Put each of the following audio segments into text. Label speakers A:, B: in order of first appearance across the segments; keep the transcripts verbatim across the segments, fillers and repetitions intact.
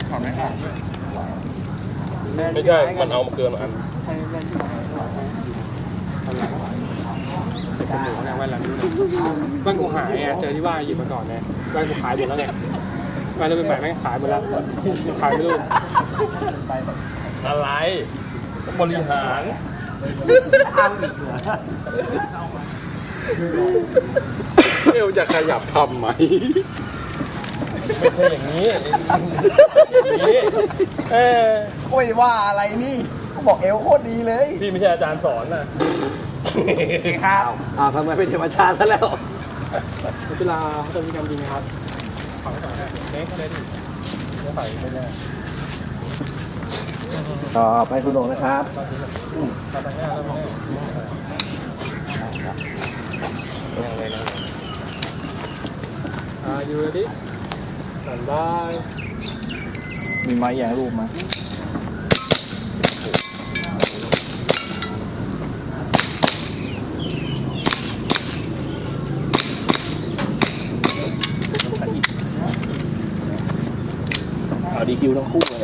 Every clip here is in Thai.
A: ถอดไหมครับ
B: ไม่ใช่ มันเอามาเกินอัน
C: จมูกเนี่ยแว่นแล้วแว่นกูหายไงเจอที่ว่าหยิบมาก่อนไงแว่นกูขายหมดแล้วไงแว่นจะเป็นใหม่แม่งขายหมดแล้วขายไม่รู้
B: อะไรบริหาร
A: เอวจะขยับทำไหม
B: ไม่ใช่อย่างนี้อย่างนี้เออ
D: ไม่ว่าอะไรนี่ก็บอกเอวโคตรดีเลย
B: พี่ไม่ใช่อาจารย์สอนนะ
D: ครับอ้าวทำไมเป็นธรรมชาติซะแล้ว
C: เวลาเขาจะมีการยิงครับฝั่งต่อไปเน็กเลยดิจะใส่ไปเลย
D: ต่อไปคุณโดนะครับ
C: ตัดตรงนี้แล้วตรงนี้ยังเลยนะอ่าอยู่ดิสั่นได้
D: มีไม้แยงรูปไหมเอาดีคิวทั้งคู่เลย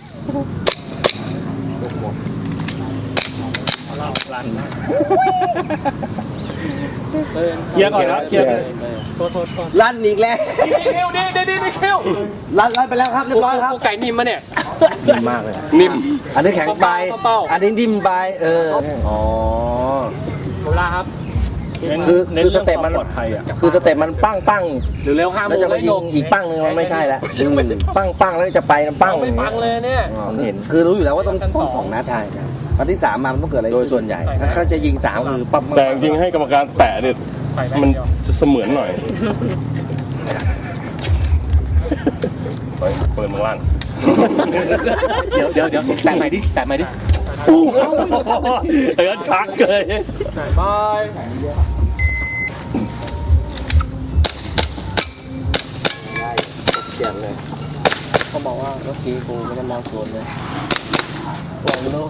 C: เคลียร์ก่อนครับเคลียร์โทษโทษโทษ
D: ลั่นอีกแล้ว
C: ดีคิวดีดีดีคิว
D: ลั่นลั่นไปแล้วครับเรียบร้อยครับ
C: ไก่นิ่มมาเนี่ย
D: นิ่มมากเลยนิ่มอันนี้แข็งไปอันนี้นิ่มไปเอออ๋อ
C: เวลาครับ
D: คือคือสเต็ปมันคือสเต็ปมันปั้งปั้ง
C: หรือเร็วห้าโมง
D: แล้วจะมายิงอีกปั้งนึงมันไม่ใช่แล้วปั้งปั้งแล้วจะไปปั้ง
C: ไม่ฟังเลยเนี่ย
D: เห็นคือรู้อยู่แล้วว่าต้องต้องสองนัดใช่ตอนที่สามมามันต้องเกิดอะไรโดยส่วนใหญ่ถ้าเขาจะยิงสามคือปั๊บ
B: แต่จริงให้กรรมการแตะเนี่ยมันจะเสมือนหน่อยเปิดมือล่าง
D: เดี๋ยวเดี๋ยวเดี๋ยวแตะใหม่ดิแตะใหม่ดิ
B: อู้เออชักเลย
C: บาย
D: เขียนเลยเขาบอกว่าเมื่อกี้กูไม่ได้มองสวนเลยลองดู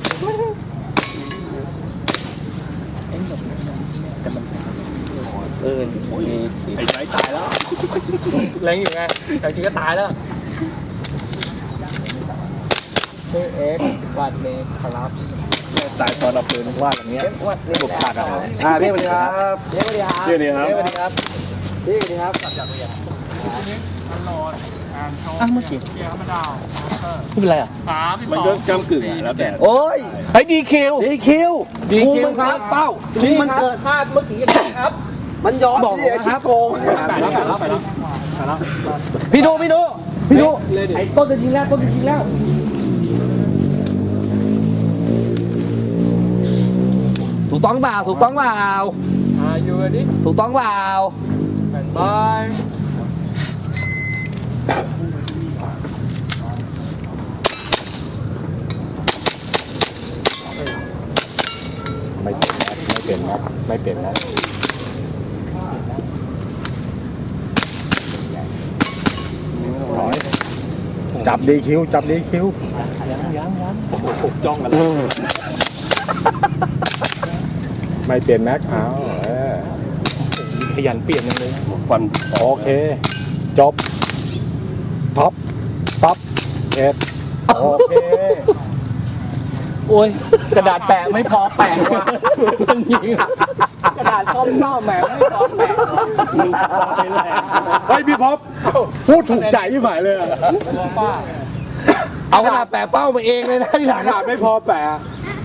D: เออมี
B: ไอ้ใจตายแล้ว
C: แรงอยู่ไงแต่จริงก็ตายแล้ว
D: ชื่อเอ็กซ์วัดเมย์ครับ
B: ตายตอนเราปืนวาดอย่างเงี้ย
D: วัดนี่บุกขาดอะไรอ่าพี่สวัสดีครับพี่สวัสดีครับ
B: พี่สวัสดีครับ
D: พี่สวัสดีครับพี่สวัสดีครับจากเรียนอ่ะเมื่อกี้ไม่เป็นไรอ่ะ
B: มันก็กำกึ่งอ่ะแล้วแต่
D: โอ้ย
C: ไอ้ดีคิว
D: ดีคิวดีคิวมันเกิดเป้าทีมันเกิด
C: พลาดเมื่อกี้ครับ
D: มันย้อนบอกนะครับโกง
C: ไปแล้วไปแล้วไปแล้วไปแล้ว
D: พี่ดูพี่ดูพี่ดูไอ้ต้นจะยิงแล้วต้นจะยิงแล้วถูกต้องเปล่าถูกต้องเปล่า
C: อ่าอยู่ดิ
D: ถูกต้องเปล่า
C: บาย
A: ไม่เปลี่ยนนะไม่เปลี่ยนนะไม่เปลี่ยนนะถอยจับดีคิวจับดีคิว
C: ยังยังยัง
B: ผมจ้องกัน
A: ไม่เปลี่ยนแม็กเอาเออ
C: ขยันเปลี่ยนเลย
B: ฟัน
A: โอเคจบท็อปท็อปเอ็ดโอเค
C: โอ้ยกระดาษแปะไม่พอแปะว่ะมันยิงกระดาษส้มเน่าแหมไม่พอแปะ
B: มึงตายแหละ
A: เฮ้ยพี่พบพูดถูกใจที่หมายเลย
D: เอากระดาษแปะเป้ามาเองเลยนะที่หลัง
A: กระดาษไม่พอแปะ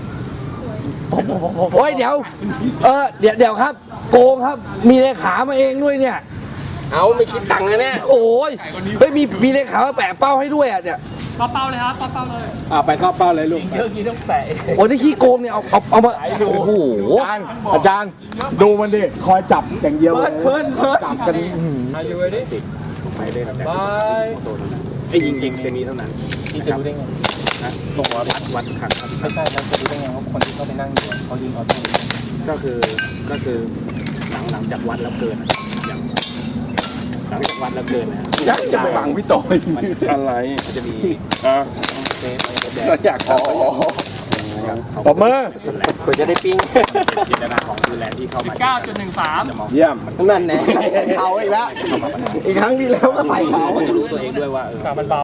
D: โอ้ยเดี๋ยวเออเดี๋ยวเดี๋ยวครับโกงครับมีเลขามาเองด้วยเนี่ยเอาไม่คิดตังค์เลยเนี่ยโอ้ยเฮ้ยมีมีเลขามาแปะเป้าให้ด้วยอ่ะเนี่ย
C: เป้าเลยครับเป้าเลย
A: อ่าไปเข้าเป้าเลยลูก
C: เยอะกี่ต้องแปะ
D: โอ้ยนี่ขี้โกงเนี่ยเอาเอาเอามาโอ้โห
A: อาจารย์ดูมันดิคอยจับอย่างเดียวเลย
D: เพิ่นเพิ่น
A: จับกัน
C: อายุไว้ดิ
A: ไปเลยนะ
C: บาย
B: ไอ้ยิงยิงตัวนี้เท่านั้น
C: ที่จะรู้ได้ไง
B: นะตรงวัดวัดขันครับ
C: ไม่ใช่แล้วจะรู้ได้ไงว่าคนที่เขาไปนั่งอยู่เขายิงเขาตรง
B: ก็คือก็คือหลังหลังจากวัดแล้วเกินอย่างหลังจากวัดแล้วเกินนะ
A: จะไปฟังพี่ต่อย
B: อะไรจะมีอ่ะ
A: เเราอยากขอตบมือ
D: เพื่อจะได้ปิ้ง
B: จินตนาของคือแลนด์ที่เข้ามา
C: เก้าจุดหนึ่งสาม
A: เยี่ยม
D: นั่นแน่เขาอีกแล้วอีกครั้งที่แล้วก็ใส่เขา
B: รู้ตัวเองด้วยว่าเออ
C: มันเบา